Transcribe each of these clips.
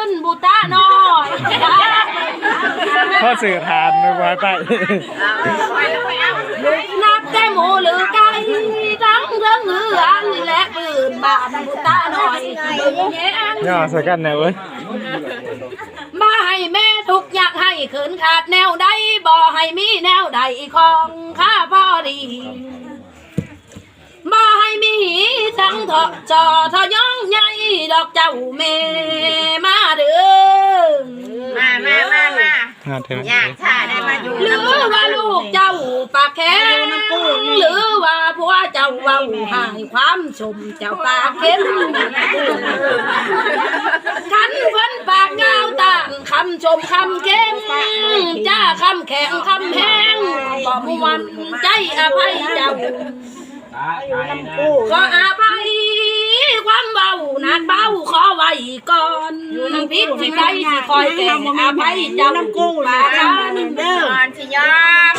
บุตรน้อยข้อสื่อทานนึกว่าใต้นับแต่หมูหรือไก่ทั้งเรื่องเหือนและปืนบานบุตรน้อยแย่งย่อใส่กันแนวเว้ยมาให้แม่ทุกอยากให้ขืนขาดแนวใดบ่ให้มีแนวใดของข้าพ่อดีบ่ให้มีทั้งเถาะจอทอย่องใหญ่ดอกเจ้าแม่มาเด้อมางานเถอะอยากถ่าได้มาอยู่หรือว่าลูกเจ้าปากแข็งหรือว่าผัวเจ้าเว้าหายความชมเจ้าปากเข้มขันเพิ่นปากก้าวต่างคำชมคำเข้มจ้าคำแข็งคำแห้งก็มวนใจอภัยเจ้าขออภัยความเบานักเบาขอไว้ก่อนพิษที่ใดสิคอยแก่อภัยเจ้ากู้ลากันเด้อก่อนสิยอม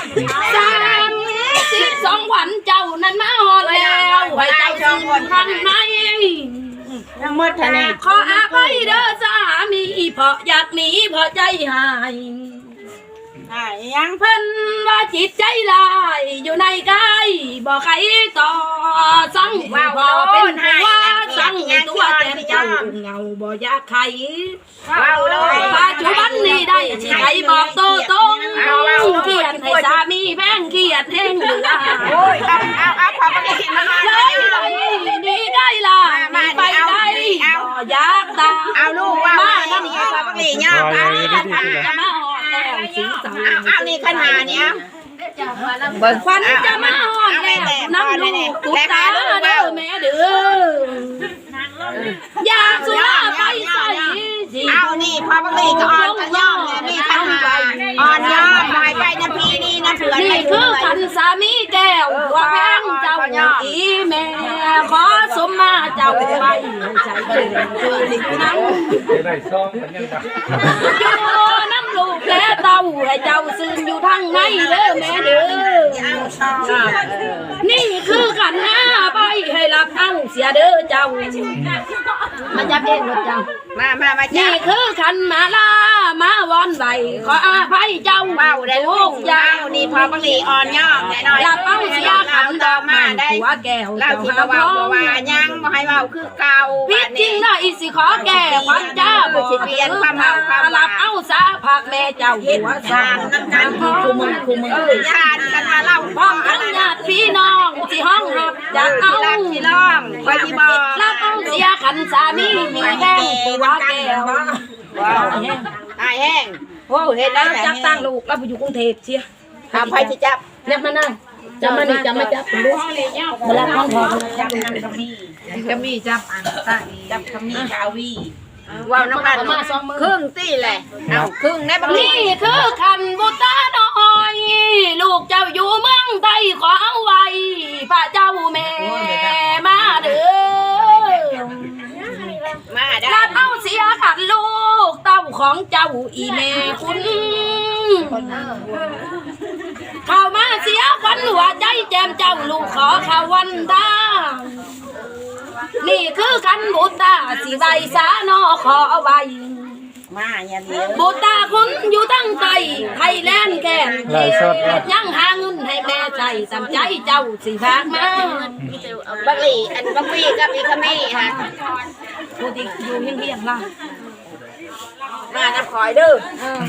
32 วันเจ้านั้นมาฮอดแล้วให้เจ้าชื่นข้างในทั้งหมดทะเลขออภัยเด้อสามีเพราะอยากหนีเพราะใจหายยังเพิ่นว่าจิตใจลายอยู่ในกายบ่ใครต่อสั่งว่าเป็นผัวสั่งตัวแต่เจ้าเงาบ่อยากใครว้าวเลยปัจจุบันนี้ได้สิใครบอกโตตรงเขียนให้สามีแพงเขียนแห้งเหลือโอ้ยเอาความปกติมาเลยดีได้ล่ะไปได้บ่อยากตาเอาลูกว่ามานี่ความปกติยอมรออย่างนี้ที่ที่จะมาหอดแล้วสีเสาเอานี่ขนาดเนี้ยควันจะมาหอดแล้วน้ำลูกตุ๊ตาเด้อแม่เด้อยาสุราไปใส่สิเอานี่ความปกติก็อ่อนกันยอมเลยนี่ขนาดอ่อนยอมหน่อยไปนะพี่นี่นะเผื่อนี่คือขันสามีแก้วหัวแพงเจ้าอีแม่ขอสมมาเจ้าไปใจเกินคือลิงน้ำได้ซองเหมือนกันปะอยู่น้ำลูกและเต้าให้เจ้าซึมอยู่ทางในเด้อแม่เด้อนี่คือขันหน้าไปให้รับเอาเสียเด้อเจ้ามาจับเองรถเจ้ามานี่คือขันมาลามาวอนไหวขออาภัยเจ้าเบาได้ลูกยายาวนี่พอปกติอ่อนยอมแน่นอนรับเอาเสียขันดอกไม้หัวแก้วเราเจ้าที่หามาพร้เบาอมว่ายังบ่ให้เบาคือเก่าพิษจริงได้สิขอแก้ความจ้าบ่สิเปลี่ยนความเมาความรับเอาสาผักแม่เจ้าหัวสานน้ำกันคู่มือญาติกันมาเล่าพ้องทั้งญาติพี่น้องที่ห้องหับจะเอารักที่ร้องคอยที่บอกรับเอาเสียขันสามีมีแก้วตัวแก้วตายแห้งโอ้เห็นแล้วจับตั้งลูกแล้วไปอยู่กรุงเทพเชียทำไฟที่จับเรียกมานั่งจำมานี่จำมาจับผมดูเวลาห้องพอจับกระมี่จับอันตาจับกระมี่กาวีว้าวน้ำกันครึ่งตีแหละเอาครึ่งได้บ้างนี่คือขันบุตรน้อยลูกเจ้าอยู่เมืองไทยขอเอาไว้พระเจ้าแม่มาเด้อมาได้รับเอาเสียขันลูกเต้าของเจ้าอีแม่คุณเข้ามาเสียขวัญหัวใจแจมเจ้าลูกขอข้าวันตานี่คือขันบุตรสิใบสานอขอไว้มาอย่างนี้บุตรคุณอยู่ตั้งใจไทยแลนด์แก่นเฮ็ดยังหาเงินให้แม่ใจสำใจเจ้าสิพากมาบักหลี่อันบักวีกับอีกมี่ฮะผู้ที่อยู่เฮียงๆล่ะมาน้ำคอยเด้อ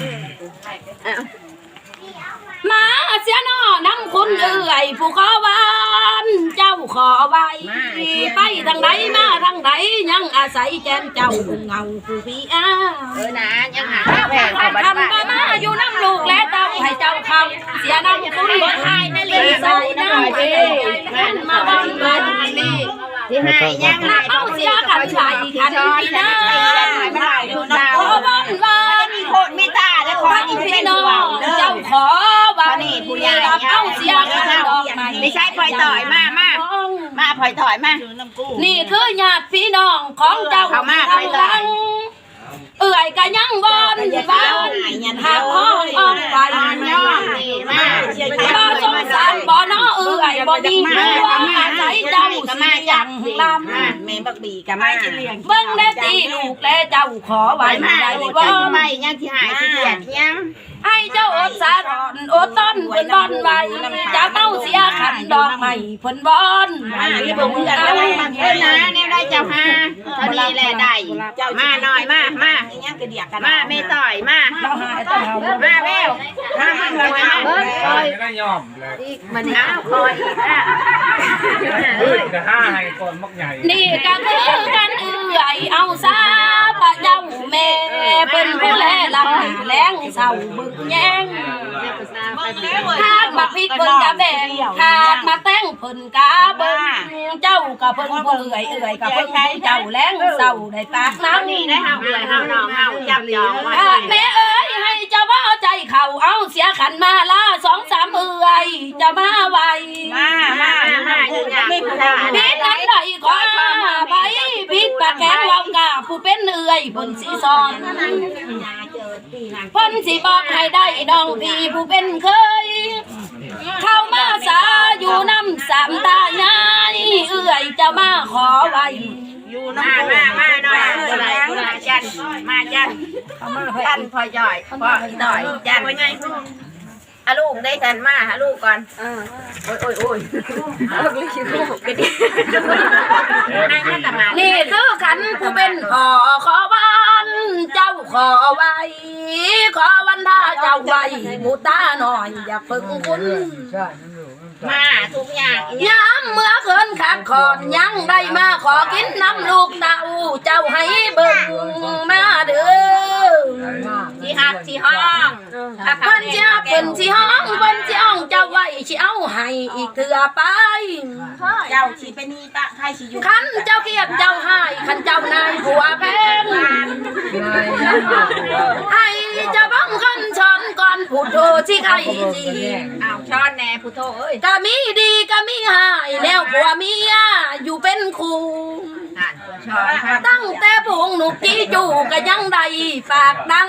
มาเสียนอน้ำคุณเอื่อยผู้ขอวานเจ้าขอไว้ไปทางไหนมาทางไหนยังอาศัยแจมเจ้าเงาผู้พี่อ้านะยังหาแผงทำมาอยู่น้ำลูกและเต้าให้เจ้าเขาเสียน้ำคุณบ่ทายนั่นเลยใส่น้ำเอ้มันมาบ้านบ้านนี่ที่ให้ยังนับเอาเสียกันไหลขันพี่น้าไม่ได้คุณดาวขอบ้านบ้านมีโคตรมีตาได้คอยนี่พี่เป็นน้อห่วงงเด้อเจ้าขอบ้านนี่ผู้ใหญ่รับเอาเสียกันดอกไม้ไม่ใช่พลอยต่อยมาพลอยต่อยมานี่คือญาติพี่น้องของเจ้าเขามาทางหลังเอื่อยกันยังบอนบ้านหากห้องอ้อมไปย่อนี่มาบ่สงสารบ่น้อเอื่อยบ่บ่มีผัวอาศัยเจ้าสิยังลำแม่บักบีกับมาเบิ่งได้ตีลูกและเจ้าขอไว้ได้บ่ไม่ยังที่หายที่เกียดยังให้เจ้าอดสาทอนอดต้นเพิ่นบอนไว้จะเต้าเสียขันดอกไม้เพิ่นบอนนี่บ่มึงกันเอาเอ้ยนะแนวได้เจ้าฮาเท่านี้แหละได้มาหน่อยมายังกระเดียกกันมาไม่ต่อยมาเราหายต้องเอามาแววมาหน่อยมาเบิ้งคอยไม่ยอมเลยมันเอาคอยจะห้าให้ก่อนมักใหญ่นี่ก็คือกันเอื้อยเอาซาพระเจ้าแม่เพิ่นผู้แลรับหน้าแลงเศร้าบึกแยงหากบักพริกเพิ่นกะแบ่งหากมาแต่งเพิ่นกะเบิ่งเจ้าก็เพิ่นผู้เอื้อยก็เพิ่นผู้เจ้าแลงเศร้าได้ปากน้ำนี่ได้เฮาเลยเฮาน้องเฮาจับยองไว้แม่เอ้ยให้เจ้าว่าใจเข่าเอาเสียขันมาละ2-3เอื้อยจะมาไวมาไม่พูดพิษนั้นไหลขอไปพิษปากแข็งเรากาผู้เป็นเอื้อยเพิ่นสิสอนเพิ่นสิบอกให้ได้น้องพี่ผู้เป็นเคยเข้ามาสาอยู่น้ำสามตายายเอื้อยจะมาขอไว้อยู่น้ำมาหน่อยจันมาจันจันพอจ่อยพอหน่อยจันอาลูกได้กันมาหาลูกก่อนโอ้ยลูกก็ดีนั่งกันมานี่คือขันผู้เป็นขอวันเจ้าขอไว้ขอวันท่าเจ้าไว้มูตาหน่อยอย่าเพิ่งคุ้นมาทุกอย่างย้ำเมื่อคืนขาดขอนยังได้มาขอกินน้ำลูกเต้าเจ้าให้เบิ่งมาเด้อที่ฮักที่ห้องเพิ่นสิฮักเพิ่นสิห้องเพิ่นสิห้องเจ้าไว้สิเอาให้อีกเถื่อไปเจ้าชีเป็นนี่ปะใครชีอยู่คันเจ้าเกียดเจ้าให้คันเจ้านายผัวแพงให้เจ้าบังคันช้อนก่อนพูดโทสิใครจีอ้าวช้อนแน่พุทโธเอ้ยก็มีดีก็มีหายแนวผัวเมียอยู่เป็นคู่ช้อนครับตั้งแต่พวงหนุกจี้จู่ก็ยังได้ฝากดัง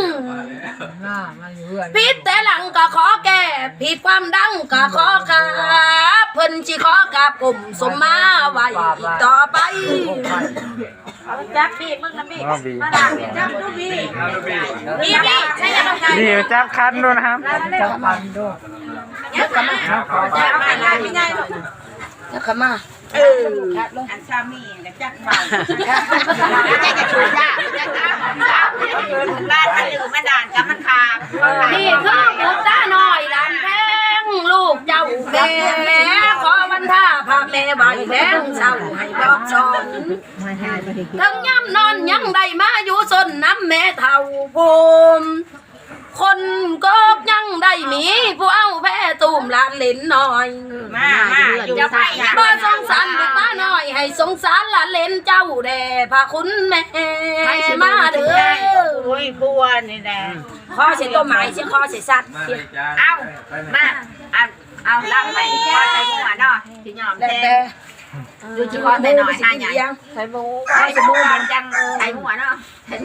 ผิดแต่หลังก็ขอแก้ผิดความดังก็ขอขาเพิ่นสิขอกับกลุ่มสมมาไว้อีกต่อไปจับบีบมึงนะบีบมาด่าบีบจับดูบีบบีบใช่ยังไงดีจับคันด้วยนะครับจับคันด้วยยักษ์มาจับมาได้ไม่ได้หรอกแล้วก็มาอันชามีกับจักเบาจะช่วยยากจะจ้าบ้านมันอยู่มาด่านกับมันขาดนี่คือบุตรหน่อยหลานแพงลูกเจ้าแม่ขอวันท่าพาแม่ไหวแพงเศร้าให้บอกสอนทั้งย่ำนอนยังได้มาอยู่สนน้ำแม่เท่าภูมิคนก็ยังได้มีผู้เอาแพ้ตูมหลานเล่นหน่อยมาอยู่จะไปบ่สงสารบุตรหน่อยให้สงสารหลานเล่นเจ้าแด่พาคุณแม่มาเด้อโอ้ยบัวนี่แหละขอเสียตัวหมายเสียขอเสียสัตว์เสียเอามาเอาลังไปพอใจหัวเนาะที่ยอมแทงดูจีคอแต่หน่อยห้าอย่างใส่บูใส่บูมันจังใส่หัวเนาะ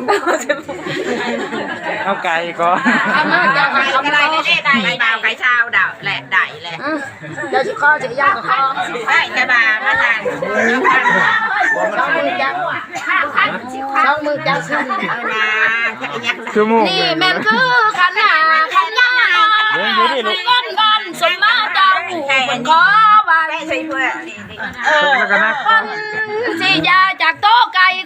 เอาไก่ก่อนเอามาเจ้าไก่เอาอะไรมาได้ไก่ดาวไก่ชาวดาวแหละได้แหละเดี๋ยวสิขอเสียยากับขอได้จะบามาทานช่องมือจับช่องมือจับขึ้นเอานะยักษ์คือหมูนี่แม่นคือขันหาขันหน้าก้อนก้อนสมมาเจ้าเป็นขอไว้ได้ใส่เพื่อแล้วก็นักคนสิยาจากโต๊ะไก่